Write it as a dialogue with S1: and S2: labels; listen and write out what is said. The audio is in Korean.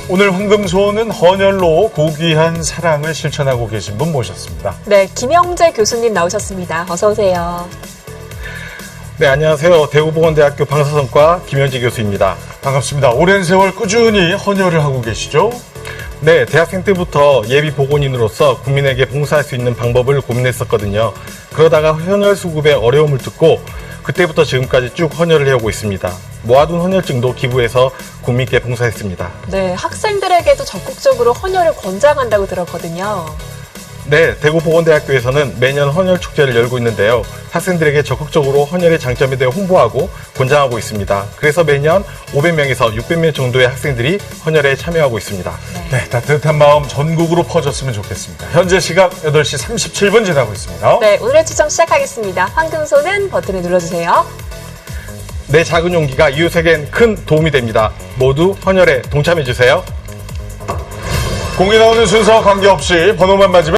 S1: 오늘 황금소는 헌혈로 고귀한 사랑을 실천하고 계신 분 모셨습니다.
S2: 네, 김영재 교수님 나오셨습니다. 어서 오세요.
S3: 네, 안녕하세요. 대구보건대학교 방사선과 김현지 교수입니다.
S1: 반갑습니다. 오랜 세월 꾸준히 헌혈을 하고 계시죠?
S3: 네, 대학생 때부터 예비 보건인으로서 국민에게 봉사할 수 있는 방법을 고민했었거든요. 그러다가 헌혈 수급의 어려움을 듣고 그때부터 지금까지 쭉 헌혈을 해오고 있습니다. 모아둔 헌혈증도 기부해서 국민께 봉사했습니다.
S2: 네, 학생들에게도 적극적으로 헌혈을 권장한다고 들었거든요.
S3: 네, 대구보건대학교에서는 매년 헌혈 축제를 열고 있는데요. 학생들에게 적극적으로 헌혈의 장점에 대해 홍보하고 권장하고 있습니다. 그래서 매년 500명에서 600명 정도의 학생들이 헌혈에 참여하고 있습니다.
S1: 네, 따뜻한 마음 전국으로 퍼졌으면 좋겠습니다. 현재 시각 8시 37분 지나고 있습니다.
S2: 네, 오늘의 추첨 시작하겠습니다. 황금소는 버튼을 눌러주세요.
S3: 내 작은 용기가 이웃에겐 큰 도움이 됩니다. 모두 헌혈에 동참해주세요.
S1: 공이 나오는 순서와 관계없이 번호만 맞으면